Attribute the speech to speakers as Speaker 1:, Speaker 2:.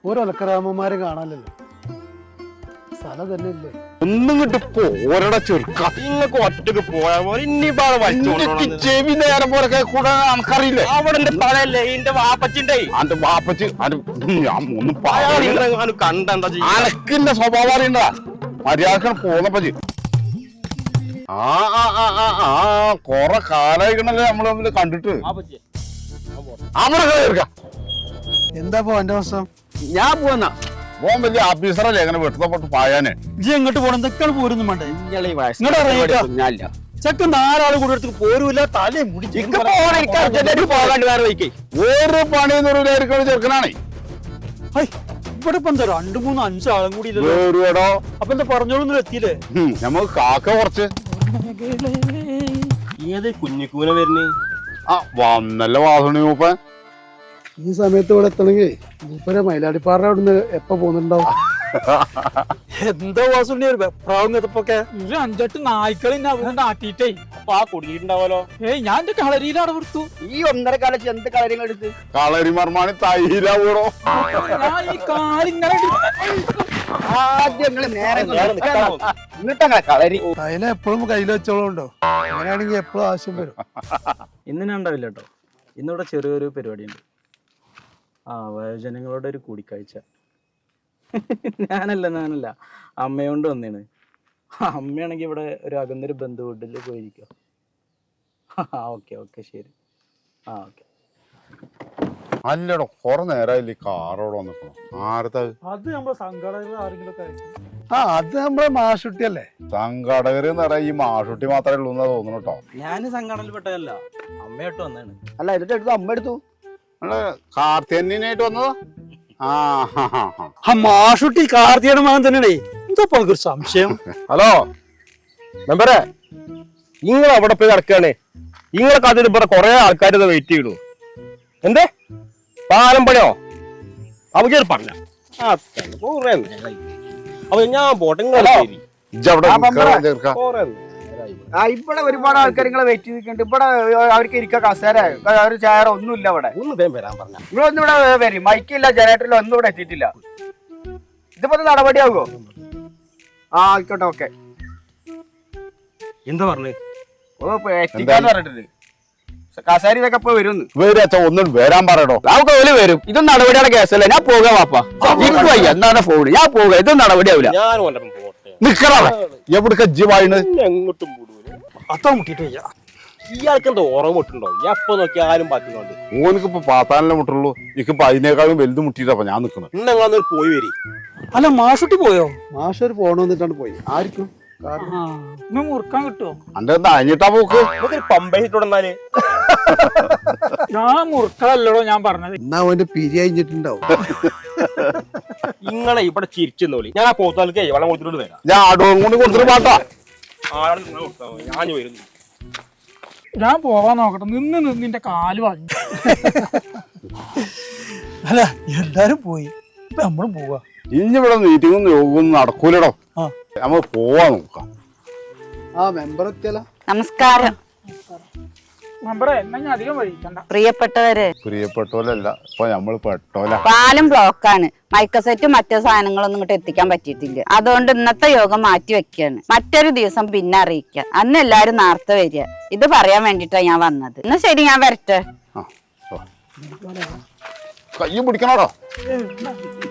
Speaker 1: ഓരോ അലക്കരാമന്മാരെ കാണാനല്ലോ. സ്ഥലം തന്നെ ഇല്ലേ?
Speaker 2: ഒന്നും കിട്ടി ഓരടെ ചെറുക്ക
Speaker 3: നിങ്ങൾക്ക് ഒറ്റക്ക് പോയാൽ പോലെ ഇനി
Speaker 2: ചെവി നേരം പോലെ കൂടെ നമുക്കറിയില്ലേ?
Speaker 3: അവിടെ എന്റെ തലയല്ലേ എന്റെ വാപ്പച്ചിന്റെ
Speaker 2: അന്റെ വാപ്പച്ച് ഒന്നും
Speaker 3: കണ്ടെന്താ ചെയ്യാ
Speaker 2: അനക്കിന്റെ സ്വഭാവം അറിയണ്ടാ. മര്യാദ പോന്നപ്പച്ചി കൊറേ കാലായിക്കണല്ലേ നമ്മള് തമ്മില് കണ്ടിട്ട്. അവിടെ കേൾക്കാം.
Speaker 1: എന്താ എന്റെ അവസ്ഥ?
Speaker 3: ഞാൻ പോന്നാ
Speaker 2: പോകാൻ വലിയ ഓഫീസറല്ലേ എങ്ങനെ വെട്ടപ്പെട്ട് പായാനെ.
Speaker 4: ഇജ്ജ് എങ്ങോട്ട് പോണം? എന്തൊക്കെയാണ് പോരുന്നു വേണ്ടേ? ചെക്കൻ 4 ആള് കൂടെ എടുത്ത് പോരൂല. തലേ മുടിച്ച്
Speaker 3: പോകാണ്ട് വേറെ വയ്ക്കേ
Speaker 2: ഒരു പണിയൊന്നും ഒരു ചെറുക്കനാണേ.
Speaker 4: ഇവിടെ ഇപ്പൊ എന്താ 2, 3, 5 ആളും കൂടി ഇല്ലല്ലോ.
Speaker 2: വേറുവേടോ
Speaker 4: അപ്പൊ എന്താ പറഞ്ഞോളൊന്നും എത്തിയില്ലേ?
Speaker 2: നമുക്ക് കാക്ക കുറച്ച്
Speaker 3: ഏത് കുഞ്ഞിക്കൂന വരുന്നേ?
Speaker 2: വന്നല്ല വാസണി മൂപ്പൻ.
Speaker 1: ഈ സമയത്ത് ഇവിടെ എത്തണമെങ്കിൽ മൂപ്പരെ മയിലാടിപ്പാറ അവിടുന്ന് എപ്പ പോകുന്നുണ്ടാവും?
Speaker 4: എന്താ വാസുണ്ടി ഒരു വെപ്രാവും കഥപ്പൊക്കെ? 5-8 നായ്ക്കളെ നാട്ടിട്ടേ
Speaker 3: അപ്പൊ കുടുങ്ങിയിട്ടുണ്ടാവല്ലോ.
Speaker 4: ഞാൻ എന്റെ കളരിയിലാണ് കൊടുത്തു.
Speaker 3: ഈ 1.5 കാലത്ത് എന്ത് കളരിങ്ങൾ എടുത്ത്
Speaker 2: കളരി മർമാണി തൈല കൂടോ.
Speaker 4: ഞാൻ ഈ കാലിങ്ങനെ
Speaker 3: കളരി
Speaker 1: അതിൽ എപ്പോഴും കയ്യിൽ വെച്ചോളുണ്ടോ? അങ്ങനെയാണെങ്കിൽ എപ്പോഴും ആവശ്യം വരും.
Speaker 5: ഇന്ന് ഞാൻ ഉണ്ടാവില്ല കേട്ടോ. ഇന്നിവിടെ ചെറിയൊരു പരിപാടിയുണ്ട്. വയോജനങ്ങളുടെ ഒരു കൂടിക്കാഴ്ച. ഞാനല്ല അമ്മയോണ്ട് വന്നേണ്. അമ്മയാണെങ്കിൽ ഇവിടെ ഒരു അകന്നൊരു ബന്ധു വീട്ടിൽ പോയിരിക്കുക. ഓക്കെ ശരി. ഓക്കെ.
Speaker 2: അല്ലടോ കൊറേ നേരമായില്ല ഈ കാറോടെ വന്നിട്ടോ. ആരത്ത
Speaker 4: അത് നമ്മളെ സംഘടന ആരെങ്കിലും ഒക്കെ
Speaker 1: അത് നമ്മളെ മാഷുട്ടിയല്ലേ?
Speaker 2: സംഘടകര് എന്ന് പറയാ ഈ മാഷുട്ടി മാത്രമേ ഉള്ളൂ എന്നാ തോന്നുന്നു കേട്ടോ.
Speaker 5: ഞാൻ സംഘടനയിൽപ്പെട്ടതല്ല, അമ്മയോട്ട് വന്നതാണ്.
Speaker 3: അല്ല എന്നിട്ട് എടുത്തു അമ്മ എടുത്തു.
Speaker 2: നമ്മള് കാർത്തിയനായിട്ട് വന്നതാ.
Speaker 4: മാഷുട്ടി കാർത്തിയുടെ മകൻ തന്നെയാണേ. എന്താ ഒരു സംശയം?
Speaker 3: ഹലോ മെമ്പറെ, നിങ്ങൾ അവിടെ പോയി നടക്കുകയാണ്. നിങ്ങളെ കാത്തിട്ട് ഇവിടെ കുറെ ആൾക്കാർ വെയിറ്റ് ചെയ്തു. എന്തേ പാലം പണിയോ? അവര് പറഞ്ഞ അപ്പൊ ഞാൻ പോട്ടെ.
Speaker 6: ഇവിടെ ഒരുപാട് ആൾക്കാർ നിങ്ങളെ വെയിറ്റ് ചെയ്തിട്ടുണ്ട്. ഇവിടെ അവർക്ക് ഇരിക്കാൻ കസേര ഒരു ചെയർ ഒന്നുമില്ല. ഇവിടെ
Speaker 3: ഒന്ന് വേഗം വരാൻ പറഞ്ഞ
Speaker 6: നിങ്ങളൊന്നും ഇവിടെ വരും. മൈക്കില്ല, ജനറേറ്ററില്ല, ഒന്നും ഇവിടെ എത്തിയിട്ടില്ല. ഇതിപ്പോ നടപടിയാകുമോ? ആയിക്കോട്ടെ. ഓക്കെ.
Speaker 3: എന്താ പറഞ്ഞു?
Speaker 6: എത്തിക്കാന്ന് പറഞ്ഞിട്ടുണ്ട്. കസേര ഇതൊക്കെ ഇപ്പൊ വരും.
Speaker 2: ഒന്നും വരാൻ പറയടോ.
Speaker 6: നമുക്ക് ഓല് വരും. ഇതൊന്നും നടപടിയുടെ കേസല്ല. ഞാൻ പോകാം വാപ്പാ. എന്താണ് ഫോണ്? ഞാൻ പോകാം. ഇതൊന്നും നടപടിയാവില്ല.
Speaker 3: ഞാൻ കൊല്ലം പോട്ടെ.
Speaker 2: നിക്കറ എവിടക്ക ജീവായിണ്
Speaker 3: എങ്ങോട്ടും പോടൂല.
Speaker 4: അത്ര മുട്ടിട്ട് വയ്യ.
Speaker 3: ഇയാൾക്ക് എന്താ ഓർമ്മ മുട്ടുണ്ടോ? എപ്പോ നോക്കിയാലും പറ്റുന്നുണ്ട്.
Speaker 2: ഓനിക്കിപ്പോ പാത്താനല്ലേ മുട്ടുള്ളൂ. എനിക്കിപ്പോ അതിനേക്കാളും വലുത് മുട്ടിട്ടപ്പോ ഞാൻ നിക്കണത്.
Speaker 3: ഇന്നെങ്ങാന്ന് പോയി വരി.
Speaker 4: അല്ല മാഷുട്ടി പോയോ?
Speaker 1: മാഷൊരു പോണോന്നിട്ടാണ് പോയി. ആയിരിക്കും
Speaker 4: മുറുക്കാൻ കിട്ടുമോ?
Speaker 2: അന്റെ എന്താ അഞ്ഞിട്ടാ പോക്ക്?
Speaker 3: നമുക്കൊരു പമ്പയിട്ടോടെന്നാല്
Speaker 4: ഞാൻ മുറുക്കല്ലടോ ഞാൻ പറഞ്ഞത്.
Speaker 1: എന്നാ അവന്റെ പിരി അഴിഞ്ഞിട്ടുണ്ടാവും.
Speaker 3: ഇങ്ങളെ ഇവിടെ ചിരിച്ചെന്നോളി. ഞാൻ ആ പോത്താൽക്കേ വെള്ളം കൊടുത്തിട്ട് വരാം.
Speaker 2: ഞാൻ ആടോം കൊണ്ട് കൊടുത്തിട്ട് പാട്ടാ.
Speaker 3: ഞാൻ വരുന്നു.
Speaker 4: ഞാൻ പോവാൻ നോക്കട്ടെ. നിന്ന് നിന്റെ കാല് വാങ്ങി. അല്ല എല്ലാരും പോയി, ഇപ്പൊ നമ്മളും പോവാ.
Speaker 2: ഇഞ്ഞിവിടെ മീറ്റിംഗും യോഗവും നടക്കൂലടോ. നമ്മൾ പോവാ നോക്കാം.
Speaker 1: മെമ്പർ എത്തിയല്ല.
Speaker 7: നമസ്കാരം.
Speaker 4: അധികം വഴിക്കണ്ട.
Speaker 2: പ്രിയപ്പെട്ടോലല്ല, ഇപ്പൊ നമ്മള് പെട്ടോല.
Speaker 7: പാലം ബ്ലോക്കാണ്. മൈക്കസെറ്റും മറ്റു സാധനങ്ങളൊന്നും ഇങ്ങോട്ട് എത്തിക്കാൻ പറ്റിയിട്ടില്ല. അതുകൊണ്ട് ഇന്നത്തെ യോഗം മാറ്റി വെക്കാണ്. മറ്റൊരു ദിവസം പിന്നെ അറിയിക്കാം. അന്ന് എല്ലാരും നേരത്തെ വരിക. ഇത് പറയാൻ വേണ്ടിട്ടാ ഞാൻ വന്നത്. എന്നാ ശരി, ഞാൻ വരട്ടെ.
Speaker 2: കയ്യും പിടിക്കണോടോ.